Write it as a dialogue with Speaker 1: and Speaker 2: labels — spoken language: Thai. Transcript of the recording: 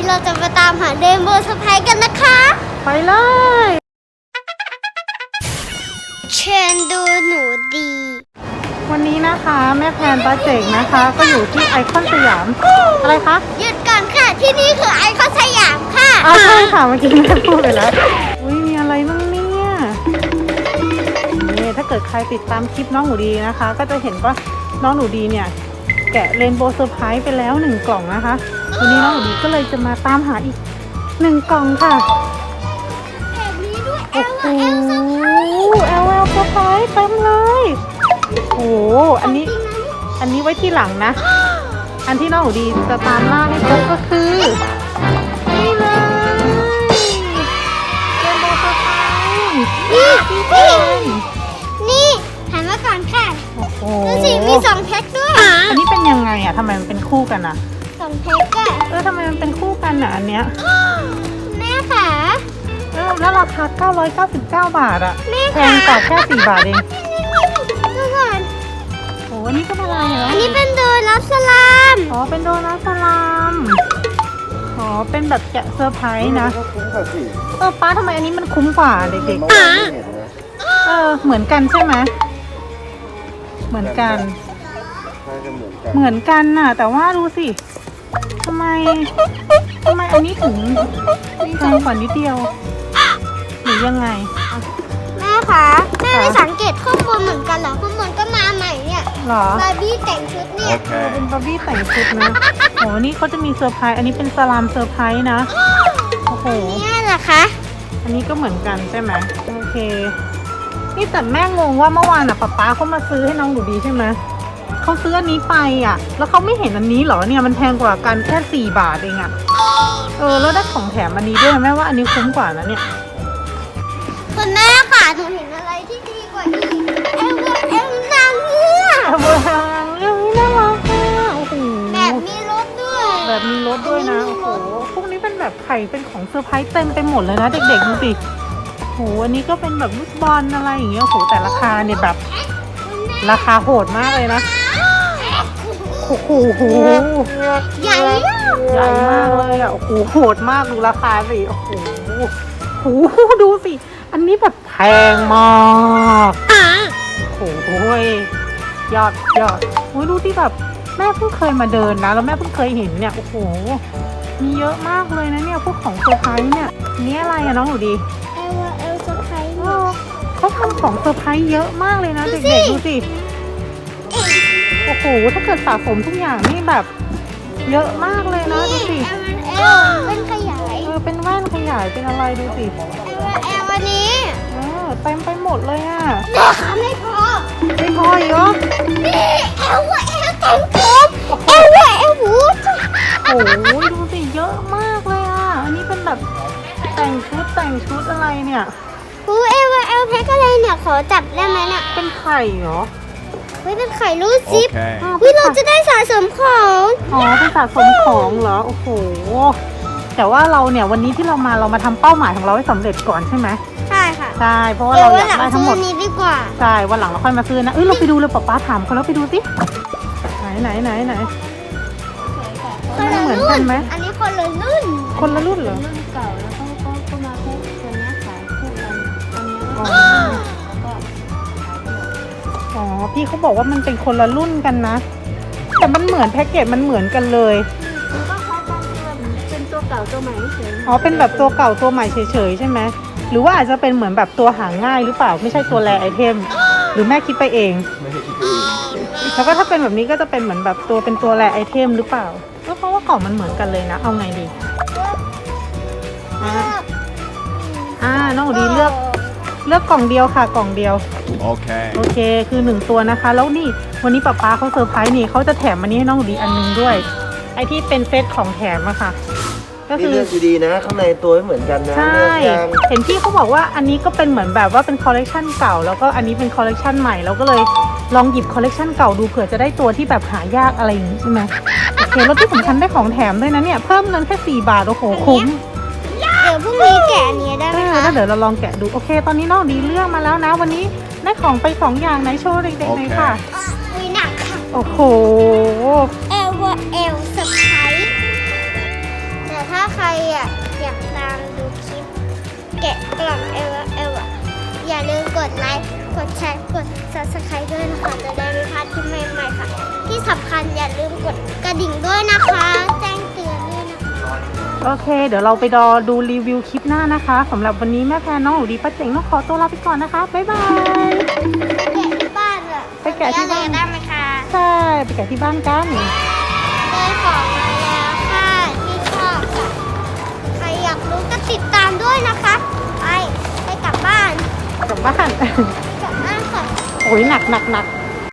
Speaker 1: เราจะมาตามหาเรนโบว์เซอร์ไพรส์กันนะคะ
Speaker 2: ไปเลย
Speaker 1: เชิญดูหนูดี
Speaker 2: วันนี้นะคะแม่แพนป้าเจ๋งนะคะก็อยู่ที่ไอคอนสยามอะไรคะ
Speaker 1: หยุดก่อนค่ะที่นี่คือไอคอนสยามค่ะ
Speaker 2: ใช่ค่ะเมื่อกี้แม่พูดไปแล้วอุ้ยมีอะไรบ้างเนี่ยนี่ถ้าเกิดใครติดตามคลิปน้องหนูดีนะคะก็จะเห็นว่าน้องหนูดีเนี่ยแกะเรนโบว์เซอร์ไพรส์ไปแล้ว1 กล่องนะคะวันนี้น้องหนูดีก็เลยจะมาตามหาอีก1 กล่องค่ะ
Speaker 1: แบบนี้ด้วย
Speaker 2: โอ้โหLL เซอร์ไพรส์เต็มเลยโอ้โหอันนี้ไว้ที่หลังนะอันที่น้องหนูดีจะตามล่าให้พบก็คือนี่เลยเรนโบว์เซอร์ไพรส์
Speaker 1: นี่หันมาก่อนค่ะดูสิมี2 แพ็คด้วย
Speaker 2: อันนี้เป็นยังไงอ่ะทำไมมันเป็นคู่กันอ่ะ
Speaker 1: 2 แพ็คอะ
Speaker 2: ทำไมมันเป็นคู่กันอ่ะอันเนี้ย
Speaker 1: แม่ค่ะ
Speaker 2: แล้วราคา999 บาทอ่ะแพงกว่าแค่4 บาทเอง
Speaker 1: ดูก่อน
Speaker 2: โอ้อันนี้ก็เป็นอะไรเหรอ
Speaker 1: อันนี้เป็นโดนัทสลาม
Speaker 2: เป็นโดนัทสลามเป็นแบบแกะเซอร์ไพรส์นะป้าทำไมอันนี้มันคุ้มกว่าเด็กๆเหมือนกันใช่ไหมเหมือนกันน่ะแต่ว่าดูสิทำไมอันนี้ถึงแพงกว่านิดเดียวหรือยังไง
Speaker 1: แม่คะแม่ไม่สังเกตข้อมูลเหมือนกันเหรอข้อมูลก็มาใหม่เนี่ย
Speaker 2: หรอบ
Speaker 1: าร์บี้แต่งชุดเนี่ย
Speaker 2: เป็นบาร์บี้แต่งชุดนะนี่เขาจะมีเซอร์ไพรส์อันนี้เป็นสลามเซอร์ไพรส์นะโอ้โห
Speaker 1: นี่แหละคะ
Speaker 2: อันนี้ก็เหมือนกันใช่ไหมโอเคนี่แต่แม่งงว่าเมื่อวานป๊าเขามาซื้อให้น้องหนูดีใช่ไหมเขาซื้ออันนี้ไปแล้วเขาไม่เห็นอันนี้เหรอเนี่ยมันแพงกว่ากันแค่4 บาทเองแล้วได้ของแถมอันนี้ด้วยแม่ว่าอันนี้คุ้มกว่านะเนี่ย
Speaker 1: คุณแม่ค่ะหนูเห็นอะไรที่ดีกว่านี้เอ็มนางเงือก
Speaker 2: เรื่องนี้น่ารักโอ้โห
Speaker 1: แบบมีรถ
Speaker 2: ด้วยนะโอ้โหพวกนี้เป็นแบบไข่เป็นของเซอร์ไพรส์เต็มไปหมดเลยนะเด็กๆดูสิโหอันนี้ก็เป็นแบบลูกบอลอะไรอย่างเงี้ยโหแต่ราคาเนี่ยแบบราคาโหดมากเลยนะโอ้โห
Speaker 1: ใหญ่
Speaker 2: มากเลยโอ้โหโหดมากดูราคาสิโอ้โหดูสิอันนี้แบบแพงมากโอ้โหยอดดูที่แบบแม่เพิ่งเคยมาเดินนะแล้วแม่เพิ่งเคยเห็นเนี่ยโอ้โหมีเยอะมากเลยนะเนี่ยพวกของเซอร์ไพรส์เนี่ยนี่อะไรน้องหนูดี
Speaker 1: เอลเซอร์ไพรส์
Speaker 2: เขาทำของเซอร์ไพรส์เยอะมากเลยนะเด็กๆดูสิโอ้โหถ้าเกิดสะสมทุกอย่างนี่แบบเยอะมากเลยนะดูสิ
Speaker 1: เป็นขยาย
Speaker 2: เป็นแว่นขยายเป็นอะไรดูสิ
Speaker 1: วันนี้
Speaker 2: เต็มไปหมดเลย
Speaker 1: ไม่พอ
Speaker 2: อีกเหรอ
Speaker 1: นี่แต่งผมวูด
Speaker 2: โอ้โหดูสิเยอะมากเลยอันนี้เป็นแบบแต่งชุดอะไรเนี่ย
Speaker 1: แพ็คอะไรเนี่ยขอจับได้ไหมเนี่ย
Speaker 2: เป็นไข่เหรอ
Speaker 1: เป็นไข่รูดซิปเราจะได้สะสมของ
Speaker 2: เป็นสะสมของเหรอโอ้โหแต่ว่าเราเนี่ยวันนี้ที่เรามาทำเป้าหมายของเราให้สำเร็จก่อนใช่ไหม
Speaker 1: ใช่ค่ะ
Speaker 2: ใช่เพราะว่าเราอยากได้ทั้งหมด
Speaker 1: นี้ดีกว่า
Speaker 2: ใช่วันหลังเราค่อยมาซื้อนะเราไปดูเลยป๊าถามเขาแล้วไปดูสิไหนเหมือนกันไหม
Speaker 1: อันนี้คนละรุ่น
Speaker 2: เหรอ
Speaker 1: รุ่นเก่าแล้วก็มาพวกตัวนี้ขายคู่กันอันนี้
Speaker 2: พี่เขาบอกว่ามันเป็นคนละรุ่นกันนะแต่มันเหมือนแพ็กเกจมันเหมือนกันเลย
Speaker 1: ก็คล้ายกันเป็นตัวเก่าตัวใหม่เฉย
Speaker 2: เป็นแบบตัวเก่าตัวใหม่เฉยๆใช่ไหมหรือว่าอาจจะเป็นเหมือนแบบตัวหาง่ายหรือเปล่าไม่ใช่ตัวแรไอเทมหรือแม่คิดไปเองแล้วก็ถ้าเป็นแบบนี้ก็จะเป็นเหมือนแบบเป็นตัวแรไอเทมหรือเปล่าก็เพราะว่ากล่องมันเหมือนกันเลยนะเอาไงดีน้องดีเลือกกล่องเดียวค่ะกล่องเดียวโอเคคือ1 ตัวนะคะแล้วนี่วันนี้ป๊าเขาเซอร์ไพรส์นี่เขาจะแถมอันนี้ให้น้องดีอันนึงด้วยไอที่เป็นเซตของแถมอะค่ะ
Speaker 3: ก็คือเลือกดีๆนะข้างในตัวไม่เหมือนกันนะ
Speaker 2: ใช่เห็นพี่เขาบอกว่าอันนี้ก็เป็นเหมือนแบบว่าเป็นคอลเลกชันเก่าแล้วก็อันนี้เป็นคอลเลกชันใหม่เราก็เลยลองหยิบคอลเลกชันเก่าดูเผื่อจะได้ตัวที่แบบหายากอะไรอย่างนี้ใช่ไหมโอเคแล้วที่สำคัญได้ของแถมด้วยนะเนี่ยเพิ่มเงินแค่4 บาทโอ้โหคุ้ม
Speaker 1: เดี๋ยวพรุ่งนี้แกะนี้ได้ไหมคะ
Speaker 2: แล้วเดี๋ยวเราลองแกะดูโอเคตอนนี้น้องดีเลือกมาแล้วนะวันนี้ได้ของไป2 อย่างไหนโชว์เด็กๆหน่อยค่ะ
Speaker 1: หนักค่ะ
Speaker 2: โอ้โห
Speaker 1: เอลเซอร์ไพรส์แต่ถ้าใครอยากตามดูคลิปแกะกล่องเอลอย่าลืมกดไลค์กดแชร์กด subscribe ด้วยนะคะจะได้ไม่พลาดคลิปใหม่ๆค่ะ ที่สำคัญอย่าลืมกดกระดิ่งด้วยนะคะ แจ้งเตือนด้วยนะคะ
Speaker 2: โอเค เดี๋ยวเราไปรอดูรีวิวคลิปหน้านะคะสำหรับวันนี้แม่แพรน้องหนูดีป้าเจ๋งต้องขอตัวลาไปก่อนนะคะบ๊ายบาย
Speaker 1: ไปแกะที่บ้านเหรอ
Speaker 2: ไปแกะที่บ้าน
Speaker 1: ได้ไหมคะ
Speaker 2: ใช่ไปแกะที่บ้านกัน
Speaker 1: ได้ของมาแล้วค่ะที่ชอบค่ะใครอยากรู้ก็ติดตามด้วยนะคะไปกลับบ้าน
Speaker 2: กลับบ้าน
Speaker 1: กลับบ้านค่ะ
Speaker 2: โอ้ยหนัก